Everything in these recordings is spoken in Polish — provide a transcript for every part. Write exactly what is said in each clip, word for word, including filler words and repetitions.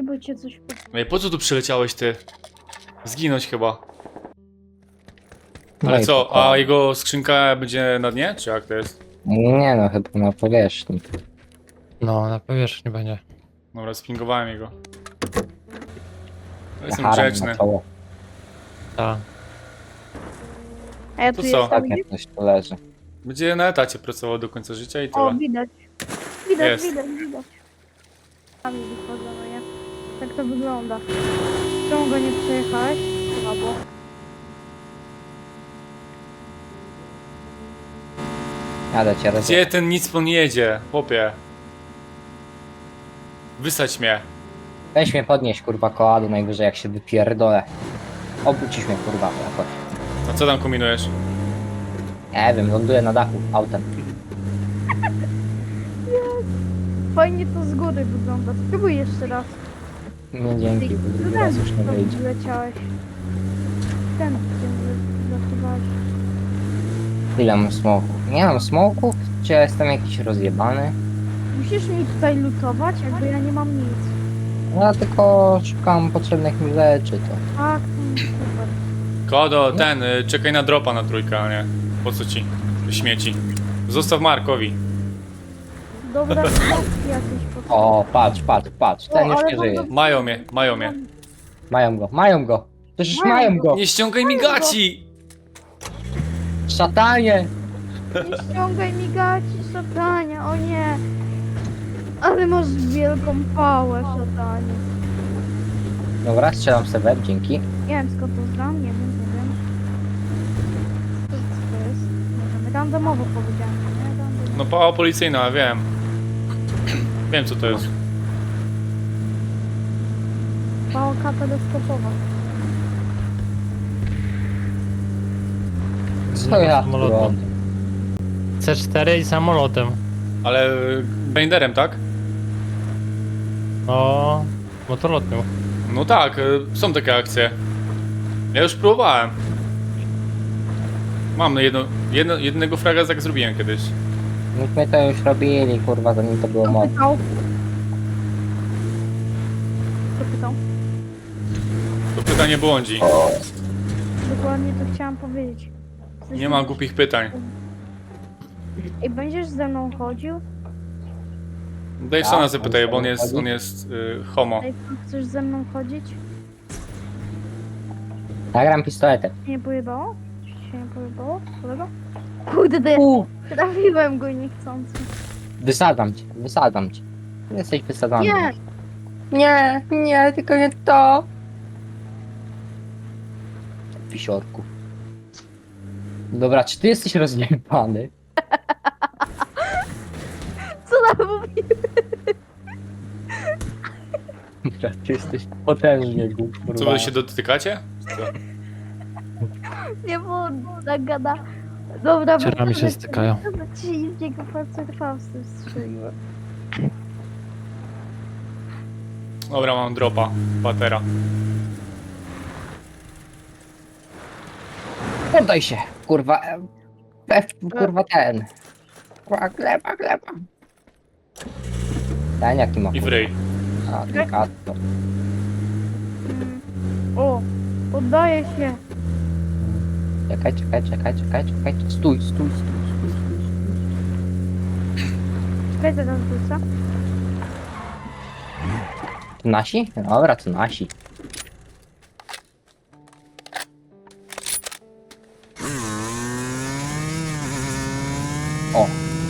Uważajcie, bo cię coś... Ej, po co tu przyleciałeś ty? Zginąć chyba. No Ale i co, pokoju. a jego skrzynka będzie na dnie? Czy jak to jest? Nie no, chyba na powierzchni. No, na powierzchni będzie. Dobra, spingowałem jego. No, jestem Haram grzeczny. na czoło. Tak. A ja To tu co? jestem, Tak widzisz? jak coś tu leży. Będzie na etacie pracował do końca życia i O, tyle. widać. Widać, Jest. widać, widać. Tam wychodzą, no nie? Tak to wygląda. Czemu go nie przejechałeś? Słabo. Jadę cię roz... Gdzie ten Nicpon jedzie, chłopie? Wysadź mnie. Weź mnie podnieść, kurwa, koadu najwyżej jak się wypierdolę. Obrócisz mnie, kurwa, jakoś. A co tam kombinujesz? Nie wiem, ląduję na dachu autem. Fajnie to z góry wygląda. Spróbuj jeszcze raz. Nie dzięki, bo drugi Ten, raz już nie to wyjdzie. wyleciałeś. Ten, gdzie zasuwałeś. Ile mam smoków? Nie mam smoków? Czy ja jestem jakiś rozjebany? Musisz mi tutaj lutować, jakby ja nie mam nic. Ja tylko szukam potrzebnych mi rzeczy, to... Tak, to super. Kodo, ten, y, czekaj na dropa na trójkę, a nie. Po co ci? Śmieci. Zostaw Markowi. Dobra, to jakieś potrzeby. O, patrz, patrz, patrz, ten O, już ale nie mam żyje. do- Mają mnie, mają mnie. Mają go, mają go! Przecież Mają mają go. go! Nie ściągaj mi gaci! Szatanie! Nie ściągaj mi gaci, szatania, o nie. Ale masz wielką pałę, szatanie. Dobra, strzelam sobie web, dzięki. Nie wiem skąd to znam, nie wiem, nie wiem. Co, co to jest? Nie wiem, randomowo powiedziałem, nie? Randomowo. No pała policyjna, wiem. Wiem co to jest. Pałka teleskopowa. Co ja tu Samolotem. robię? C cztery i samolotem. Ale y, blenderem, tak? No, motorlotnią. No tak, y, są takie akcje. Ja już próbowałem. Mam jedno, jedno, jednego fraga tak zrobiłem kiedyś. Myśmy to już robili, kurwa, zanim to było Kto modne. pytał? Kto pytał? To pytanie błądzi. Dokładnie to chciałam powiedzieć. Chcesz Nie ma mi- głupich pytań. Ej, będziesz ze mną chodził? Davesona Tak, zapytaj, bo on on jest, chodzi. on jest y, homo. Ej, chcesz ze mną chodzić? Nagram pistoletem. Ci się nie pojebało? Ci się nie pojebało? Kolego? Kurde, to ja U, trafiłem go niechcący. wysadzam cię, wysadzam cię. Jesteś wysadzany. Nie! Nie, nie, tylko nie to. Pisiorku. Dobra, czy ty jesteś rozjebany? Co nam mówi? Dobra, ty jesteś potężnie głupi. Co, wy się dotykacie? Co? Nie było tak gada. Dobra, Ciorami się wracamy. stykają. Dobra, ci z niego palce Faustem strzeliłem. Dobra, mam dropa. Patera. Poddaj się, kurwa. F, kurwa ten. Kurwa, gleba, gleba. Ten jaki ma I w ryj. A, delikatno. Mm. O, poddaję się. Czekaj, czekaj, czekaj, czekaj, czekaj. Stój, stój, stój, stój, stój. Czekaj, zaraz wrócę. To nasi? Dobra, to nasi. O.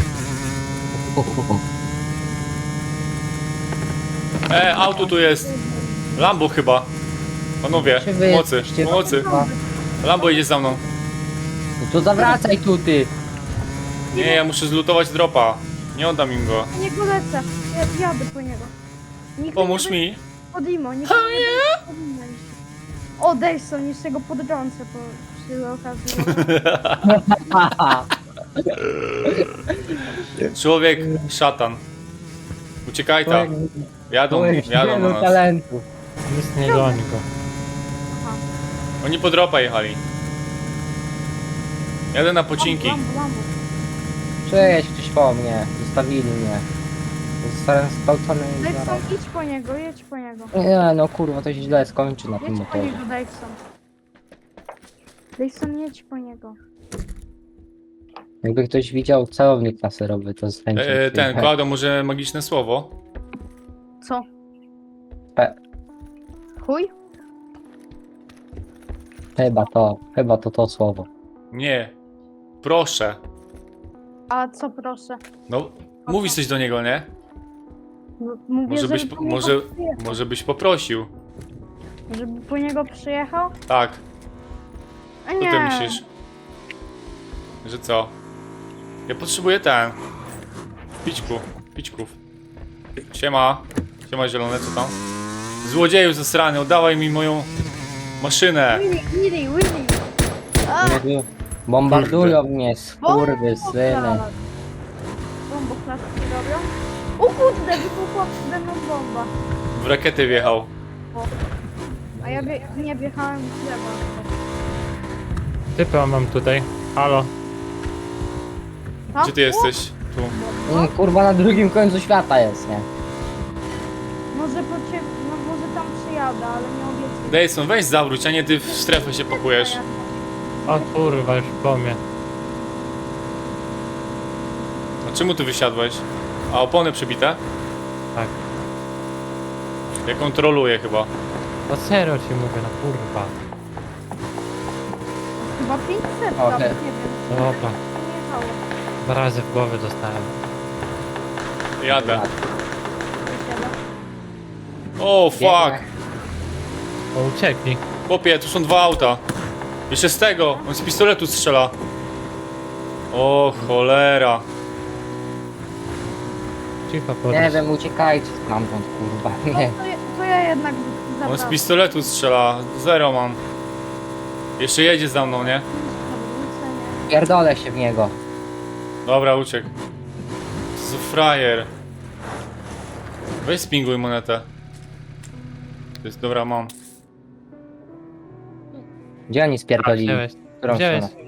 E, auto tu jest. Lambo chyba. Panowie, Czy wy pomocy, jesteście- pomocy. Kurwa. Lambo idzie za mną. No to zawracaj tu, ty. Nie, ja muszę zlutować dropa. Nie oddam im go. Nie polecę. Ja jadę po niego. Nikt Pomóż nie mi. Pod imo, nikt nie powinno iść. O, Dejson, jeszcze go podrącę po przy okazji. Człowiek, szatan. Uciekaj tam. Jadą, jadą na nas. talentu. Nic nie goni go. Oni po dropa jechali. Jadę na pocinki. Lambo, lambo. Przejedź ktoś po mnie. Zostawili mnie. Zostałem zgwałcony i zaraz... Daveson, idź po niego, jedź po niego. Nie no kurwa, to się źle skończy na tym Jedź po motorze. niego, Daveson. Daveson, jedź po niego. Jakby ktoś widział celownik laserowy, to z chęcią E, ten, przyjechał. Klaudio, może magiczne słowo? Co? Pe- Chuj? Chyba to, chyba to to słowo. Nie. Proszę. A co proszę? No, mówisz coś do niego, nie? M- Mówię, Może byś, żeby po- po niego może, przyjechał. może byś poprosił. Żeby po niego przyjechał? Tak. A Co nie. ty myślisz? Że co? Ja potrzebuję ten. Pićku. Pićków. Siema. Siema zielone, co tam? Złodzieju zasrany, oddawaj mi moją maszynę. Willy, Willy, Willy. A, Nie wiem, bombardują mnie, skurwysyny. Bomboklatki robią? O kurde, wybuchła przede mną bomba. W rakietę wjechał. A ja wie, nie wjechałem w drzewo. Typa mam tutaj. Halo. Tam? Gdzie ty jesteś? Tu. Mm, Kurwa na drugim końcu świata jest, nie? Może po ciebie, no może tam przyjadę, ale nie obiecuję. Dejson, weź zawróć, a nie ty w strefę się pakujesz. O kurwa, już po mnie. A czemu ty wysiadłeś? A opony przebite? Tak. Ja kontroluję chyba. No serio ci mówię, no kurwa. Chyba pięćset, O, tam, he. nie wiem. Dobra. Nie jechało. Dwa razy w głowę dostałem. Jadę. Wysiada. O, fuck. O, uciekli. Chłopie, tu są dwa auta. Jeszcze z tego, on z pistoletu strzela. O, cholera. Cicho Nie podnieś. wiem, uciekajcie stamtąd, kurwa, No, nie. to, ja, to ja jednak On z zapraszam. pistoletu strzela. Zero mam. Jeszcze jedzie za mną, nie? Pierdolę się w niego. Dobra, uciekł. Co za frajer. Weź spinguj monetę. To jest, dobra, mam. Gdzie oni A, spierdolili? wziąłeś. W którą Wziąłeś. stronę?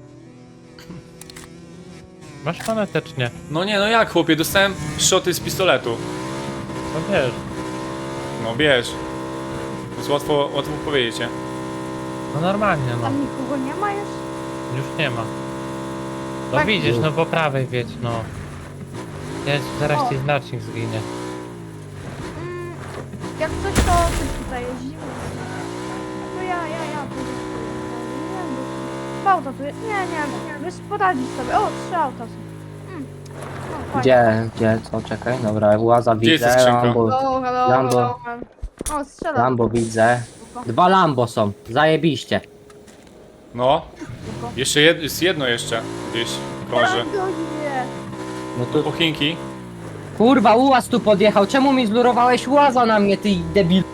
Masz monetę czy nie? No nie, no jak chłopie, dostałem szoty z pistoletu. No wiesz. No bierz. To jest łatwo, łatwo powiedzieć, nie? No normalnie, no. Tam nikogo nie ma już? Już nie ma. No Tak. widzisz, no po prawej wiedź, no. Jest, zaraz O. ci znacznik zginie. Mm, jak coś to ty tutaj jeździmy. To ja, ja, ja. tu jeżdżę. Nie wiem, bo- auta tu jest. Nie, nie, nie. Wiesz, poradzić sobie. O, trzy auta są. Mm. No, fajnie. Gdzie, gdzie, co, czekaj, dobra, Łaza Gdzie jest ta widzę, skrzynka? Lambo, Hello, hello, Lambo. hello, man. O, strzela. Lambo widzę. Dwa Lambo są, zajebiście. No. Jeszcze jed, jest jedno jeszcze gdzieś krąży. Lambo, nie. No Po tu, Chinki. kurwa, Ułaz tu podjechał, czemu mi zlurowałeś Łaza na mnie, ty debil?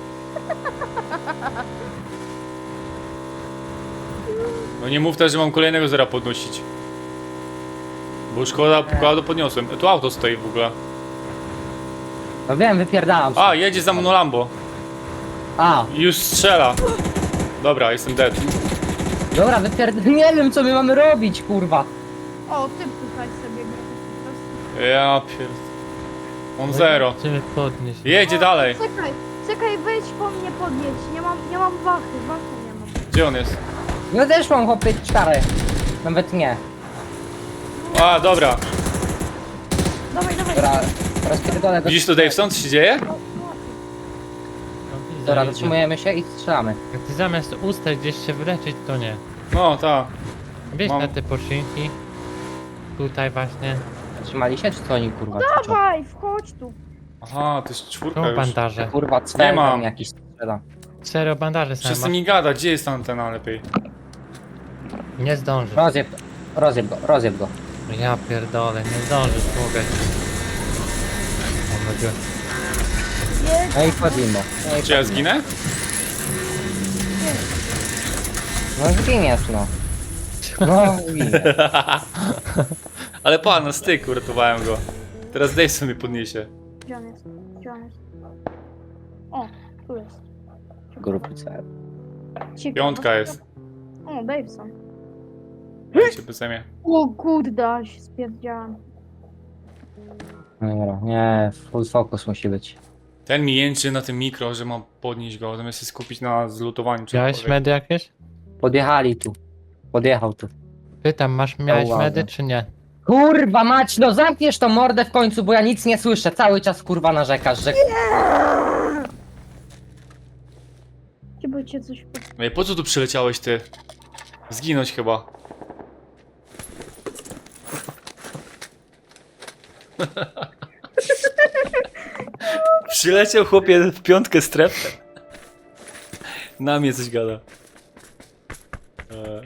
No nie mów też, że mam kolejnego zera podnosić. Bo już koła, koła podniosłem. Tu auto stoi w ogóle. No wiem, wypierdalam się. A, jedzie za mną Lambo. A, I już strzela. Dobra, jestem dead. dobra, wypierd... Nie wiem, co my mamy robić, kurwa. O, ty tutaj sobie grasz. Ja pierd... On zero. Chcemy podnieść. Jedzie dalej. Czekaj, czekaj, wejdź po mnie podjedź. Nie mam, nie mam wachy, wachy nie mam. Gdzie on jest? No też mam chłopie cztery. Nawet nie. A, dobra. Dawaj, dawaj. Dobra, rozpierdolę go. Widzisz to, Daveson, co się dzieje? No, widzę, Dobra, idzie. zatrzymujemy się i strzelamy. Jak ty zamiast ustać gdzieś się wyleczyć, to nie. No, tak. Bierz Mam. na te poszynki. Tutaj właśnie. Zatrzymali się, czy co oni, kurwa, krzyczą? Dawaj, wchodź tu. Aha, to jest czwórka Są już. bandaże. Kurwa, cwer Nie mam. tam jakiś strzela. Serio bandaże same Wszyscy masz. mi gada, gdzie jest antena lepiej? Nie zdążysz. Rozjeb, rozjeb go, rozjeb go. Ja pierdolę, nie zdążysz, mówię. O, będzie- Jedź. No i wchodzimy. No i Czy ja zginę? No zginiesz, no. No, zginiesz. Ale pan, na styk uratowałem go. Teraz Daveson mnie podniesie. Gdzie on jest? Gdzie on jest? O, tu jest. Grupy cel. Cicho, Piątka no, jest. O, Daveson. Ja cię bezemię. O kurde, ale się spierdziałam. Dobra, nie, full focus musi być. Ten mi jęczy na tym mikro, że mam podnieść go, zamiast się skupić na zlutowaniu Miałeś czegokolwiek. medy jakieś? Podjechali tu. Podjechał tu. Pytam, masz, miałeś Uwaga. medy czy nie? Kurwa mać, no zamkniesz tą mordę w końcu, bo ja nic nie słyszę. Cały czas kurwa narzekasz, że... Chyba cię coś po... Ej, po co tu przyleciałeś ty? Zginąć chyba. Przyleciał chłopie w piątkę strefę. Na mnie coś gada. E,